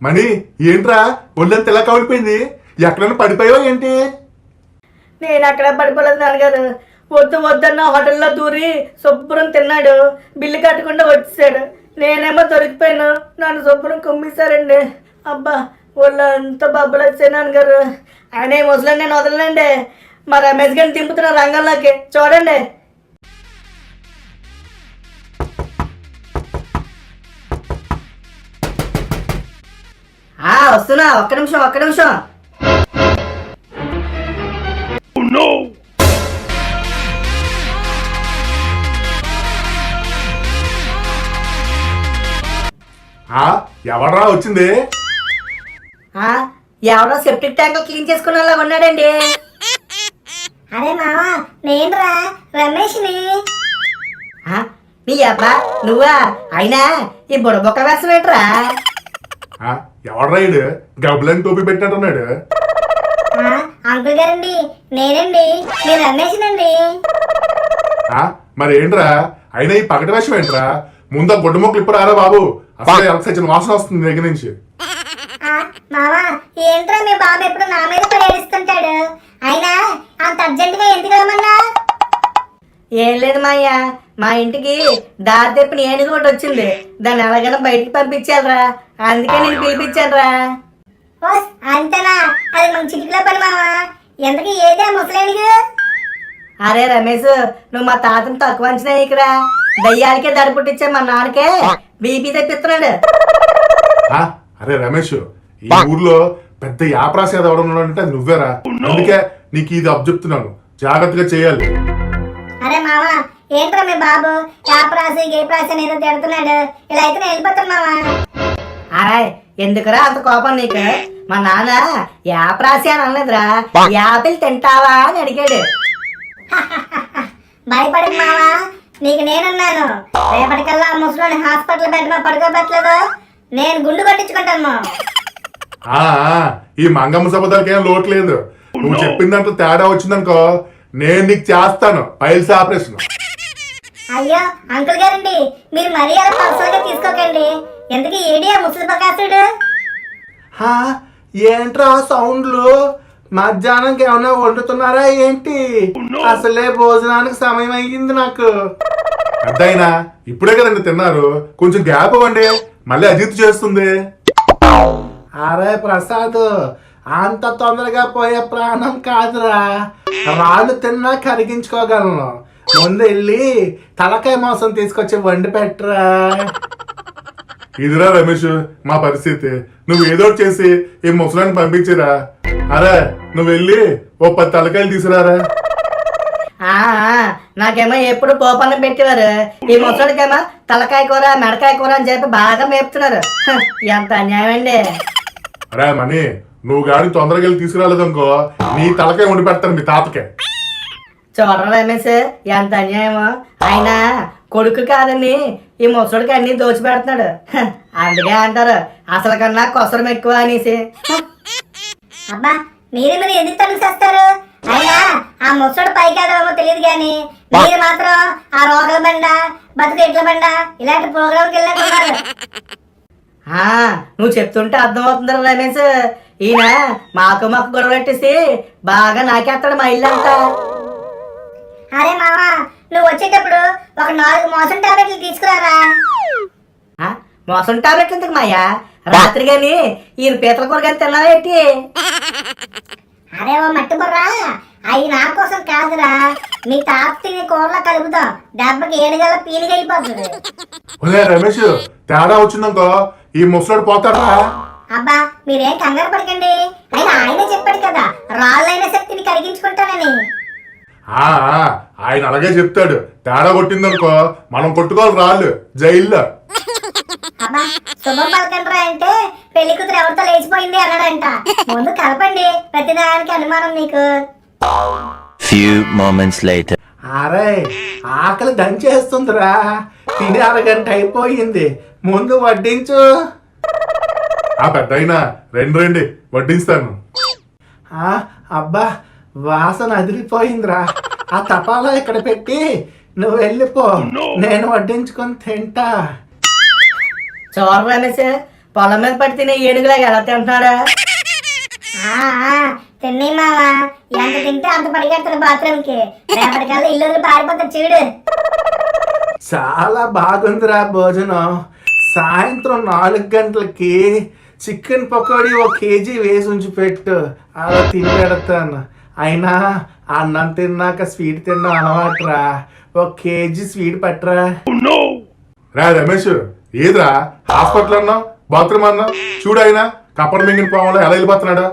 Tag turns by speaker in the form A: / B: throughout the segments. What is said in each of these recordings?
A: మణి ఏంట్రా ఒళ్ళంత ఎలా కవిలిపోయింది? ఎక్కడైనా పడిపోయావా ఏంటి?
B: నేను అక్కడ పడిపోలేదు నాన్నగారు. వద్దు వద్దన్న హోటల్లో దూరి శుభ్రం తిన్నాడు, బిల్లు కట్టకుండా వచ్చేసాడు. నేనేమో దొరికిపోయాను, నన్ను శుభ్రం కుమ్మేశారండి. అబ్బా ఒళ్ళు అంత బబ్బులు వచ్చాయి నాన్నగారు. ఆయన ఈ ముసలని నేను వదలనండి. మా రమేష్ గారిని దింపుతున్న రంగంలోకి చూడండి. వస్తున్నా, ఒక్క నిమిషం.
A: ఎవడ్రా వచ్చింది?
B: ఎవరో సెప్టిక్ ట్యాంక్ క్లీన్ చేసుకునేలా ఉన్నాడండి.
C: అరే మావా, నేనురా రమేష్ని.
B: నీ అబ్బా నువ్వా? అయినా ఈ బుడబొక్క వేసం ఏంట్రా?
A: ఎవడ్రా ఇడు గబ్బులని టోపీ పెట్టినట్టున్నాడు?
C: అంకుల్ గారండి, నేనండి, మీరు రమేష్నండి.
A: మరి ఏంట్రా అయినా ఈ పగటి వేషం ఏంట్రా? ముందు గుడ్డ మొక్కలు ఇప్పుడు రారా బాబు, అసలు ఎలక్సైజన్ వాసన వస్తుంది దగ్గర నుంచి.
C: మావా ఏంట్రా మీ బాబు ఎప్పుడు నా మీద పడి ఏడుస్తుంటాడు? అయినా అంత అర్జెంటుగా ఎందుకు రమ్మన్నా?
B: ఏం లేదు మాయ్య, మా ఇంటికి దారి తెప్పిన ఏనుగు ఒకటి వచ్చింది. దాన్ని ఎలాగైనా బయటికి పంపించాలరా, అందుకే నేను పిలిపించానురా.
C: అంతేనా? అది మన చిటికలో పని మావా. ఎంతకీ ఏదే ముసలేనిగు?
B: అరే రమేష్, నువ్వు మా తాతను తక్కువ అంచనా ఇక్కడ దయ్యాలకే దడి పుట్టించే మా నాన్నకే బీపీ తెప్పిస్తున్నాడు.
A: అరే రమేష్, ఈ ఊర్లో పెద్ద యాప్రాసేద ఎవడన్నాడంటే అది నువ్వేరా. అందుకే నీకు ఇది అబ్జెప్తున్నాను, జాగ్రత్తగా చేయాలి.
C: అరే మావా ఏంట్రా మీ బాబు యాప్రాసి గేప్రాసి అని ఏదో తిడుతున్నాడు. ఇలా అయితే నేను వెళ్ళిపోతాను మావా.
B: అరే ఎందుకురా అంత కోపం నీకు? మా నాన్న యాప్రాసి అని అనలేదురా, యాపిల్ తింటావా అని అడిగాడు.
C: భయపడకు మావా, నీకు నేనున్నాను. రేపటికల్లా ముసలోని హాస్పిటల్ బెడ్ మీద పడుకోబెట్టలేదు, నేను గుండు కొట్టించుకుంటాను.
A: ఈ మంగమ్మ సబదాలకి ఏం లోటు లేదు. నువ్వు చెప్పిన దాంట్లో తేడా వచ్చిందనుకో, నేను నీకు చేస్తాను పైల్స్ ఆపరేషన్.
C: అయ్యో అంకుల్ గారండి, మీరు మరీ అలా పర్సనల్ గా తీసుకోకండి. ఎందుకు ఏడియా ముసలి ప్రకాశుడు?
D: ఏంట్రా సౌండ్లు? మధ్యాహ్నంకి ఏమన్నా వండుతున్నారా ఏంటి? అసలే భోజనానికి సమయం అయ్యింది నాకు.
A: అద్దయినా ఇప్పుడే కదండి తిన్నారు, కొంచెం గ్యాప్ ఇవ్వండి, మళ్ళీ అజిత్ చేస్తుంది.
D: అరే ప్రసాద్, అంత తొందరగా పోయే ప్రాణం కాదురా. రాళ్ళు తిన్నా కరిగించుకోగలను. ముందు వెళ్ళి తలకాయ మాంసం తీసుకొచ్చి వండి పెట్టరా.
A: ఇదిరా రమేష్ మా పరిస్థితి, నువ్వు ఏదో చేసి ఈ ముసలాన్ని పంపించిరా. అరే నువ్వు వెళ్ళి ఓ 10 తలకాయలు తీసుకురారా.
B: నాకేమో ఎప్పుడు పోపన్నం పెట్టేవారు, ఈ ముసలికేమో తలకాయ కూర మెడకాయ కూర అని చెప్పి బాగా మేపుతున్నారు. ఎంత అన్యాయం అండి.
A: అరే మణి, నువ్వు గాని తొందరగా వెళ్ళి తీసుకురాలేదనుకో, నీ తలకాయ వండి పెడతాను మీ తాతకే.
B: చూడరా రమేష్, ఎంత అన్యాయమో. అయినా కొడుకు కాదని ఈ ముసడికి అన్ని దోచి పెడుతున్నాడు. అందుకే అంటారు అసలు కన్నా కొసరం ఎక్కువ అనేసి.
C: అబ్బా మీరు ఎందుకు తను చేస్తారు? అయినా ఆ ముసడు పైకి ఏమో తెలియదు కానీ మీరు మాత్రం ఆ రోగల బండ బతుకు ఎట్ల బండ ఇలాంటి ప్రోగ్రాంకి వెళ్ళారు.
B: నువ్వు చెప్తుంటే అర్థమవుతుందా రమేష్? ఈయన మాకు గొడవ పెట్టేసి బాగా నాకేస్తాడు మా ఇల్లు అంతా.
C: అరే మావా, నువ్వు వచ్చేటప్పుడు ఒక 4 మోసం టాబ్లెట్లు తీసుకురారా.
B: మోసం టాబ్లెట్లు ఎందుకు మాయా? రాత్రి గాని ఈయన పీతల కూర కానీ తిన్నావా ఏంటి?
C: అరే ఓ మట్టి బుర్రా, అవి నా కోసం కాదురా, మీ తాత తినే కూరలో కలుపుతాం, దెబ్బకి 7 గల పీలిగా అయిపోతుంది.
A: రమేష్ తేడా వచ్చిందనుకో ఈ ముసలాడు పోతాడా?
C: అబ్బా మీరేం కంగారు పడకండి. అయినా ఆయనే చెప్పాడు కదా రాళ్ళైన శక్తిని కరిగించుకుంటానని.
A: ఆయన అలాగే చెప్తాడు. తేడా కొట్టిందనుకో మనం కొట్టుకోవాలి రాళ్ళు జైల్లో.
C: అబ్బా శుభం పలకండ్రా అంటే పెళ్లి కూతురు ఎవరితో లేచిపోయింది అన్నాడంట. ముందు కలపండి, ప్రతిదానికి అనుమానం నీకు.
E: Few moments later.
D: అరే ఆకలి దంచేస్తుందిరా. తిని అరగంట అయిపోయింది, ముందు వడ్డించు.
A: పెద్దయినా రండి వడ్డిస్తాను.
D: అబ్బా వాసన అదిరిపోయిందిరా. ఆ తపాలా ఇక్కడ పెట్టి నువ్వు వెళ్ళిపో, నేను వడ్డించుకొని తింటా.
B: చూడ రమేష్, పొలం మీద పడి తినే ఏనుగులాగా ఎలా తింటున్నాడా?
C: తిన్నాయి మావా, ఎంత తింటే అంత పరిగెడతారు బాత్రూమ్ కి. రేపటికల్లా ఇల్లు వదిలి పారిపోతారు చూడు.
D: చాలా బాగుందిరా భోజనం. సాయంత్రం 4 గంటలకి చికెన్ పకోడీ 1 కేజీ వేసి ఉంచి పెట్టు, అలా తిని పెడతాను. అయినా అన్నం తిన్నాక స్వీట్ తిన్నాం అలవాటురా. 1 కేజీ స్వీట్ పట్టరా.
A: రా రమేష్, ఏదిరా హాస్పిటల్ అన్నావు, బాత్రూమ్ అన్నావు, చూడు అయినా కప్పర్ మింగిన పోవాలో ఎలా వెళ్ళిపోతున్నాడా?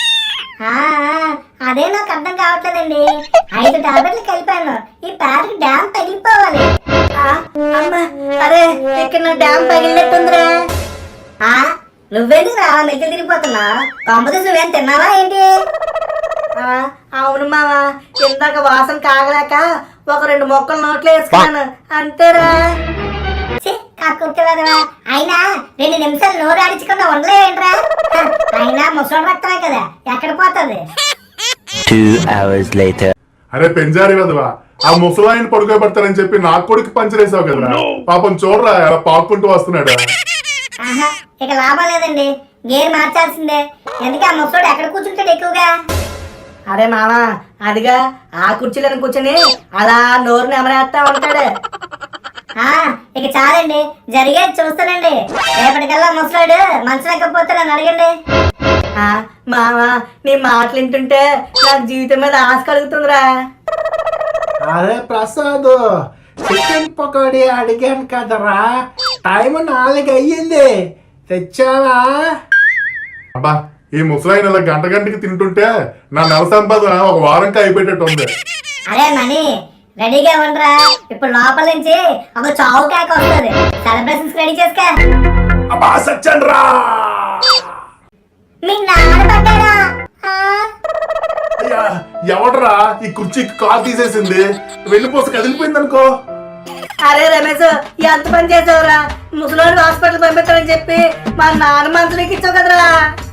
C: అదే నాకు అర్థం కావట్లేదండి. 5 టాబ్లెట్లు కలిపాను, ఈ ప్యాడ్కి డ్యామ్ తగిలిపోవాలి.
B: అమ్మా, అరే ఇక్కడ నా డ్యామ్ పగిలినట్టుందిరా.
C: నువ్వేంటి రా మెట్లు తిరిగిపోతున్నా? కంపదీసి నువ్వేం తిన్నావా ఏంటి?
B: అవును మావా, ఇందాక వాసన కాగలేక 1-2 మొక్కలు నోట్లో వేసుకున్నాను అంతేరా.
C: కాకుంటున్నారా? అయినా 2 నిమిషాలు నోరు ఆడించకుండా ఉండలేవేంట్రా? అయినా ముసలి రక్తమే కదా, ఎక్కడ పోతుంది?
E: 2 hours later.
A: అరే పెంజారి కదవా, ఆ ముసలాయన పడుకోబెడతానని చెప్పి నా కొడుకు పంచరేసావు కదరా. పాపం చూడరా ఎలా పాక్కుంటూ వస్తున్నాడు.
C: ఇక లాభం లేదండి, గేర్ మార్చాల్సిందే. ఎందుకు ఆ ముసలోడు ఎక్కడ కూర్చుంటాడు ఎక్కువగా?
B: అరే మావా, అదిగా ఆ కుర్చీలను కూర్చొని అలా నోరు నెమరేస్తా ఉంటాడు.
C: ఇక చాలండి, జరిగేది చూస్తానండి. రేపటికల్లా ముసలాడు మంచం ఎక్కపోతే నన్ను అడగండి.
B: మావా, నీ మాటలు వింటుంటే నాకు జీవితం మీద ఆశ కలుగుతుందిరా.
D: అరే ప్రసాద్, చికెన్ పకోడీ అడిగాను కదరా, టైం 4 అయ్యింది, తెచ్చావా?
A: అబ్బా, ఈ ముసలాయన ఇలా గంటకి తింటుంటే నా నెల సంపాదన 1 వారంకి అయిపోయేటట్టు ఉంది.
C: అరే మణి, రెడీగా ఉండరా, ఇప్పుడు లోపల నుంచి ఒక చావు కేక వస్తుంది. సెలబ్రేషన్స్ రెడీ చేసుకో.
A: అబ్బా సచ్చండి రా.
C: మీ నాన్న పడ్డారా?
A: అయ్యా, ఎవడరా ఈ కుర్చీకి కాలు తీసేసింది? వెన్నుపూస కదిలిపోయింది అనుకో.
B: అరే రమేష్, ఎంత పని చేసావురా? ముసలోని హాస్పిటల్ పంపిస్తానని చెప్పి మా నాన్న మందులు ఎక్కించావు కదరా.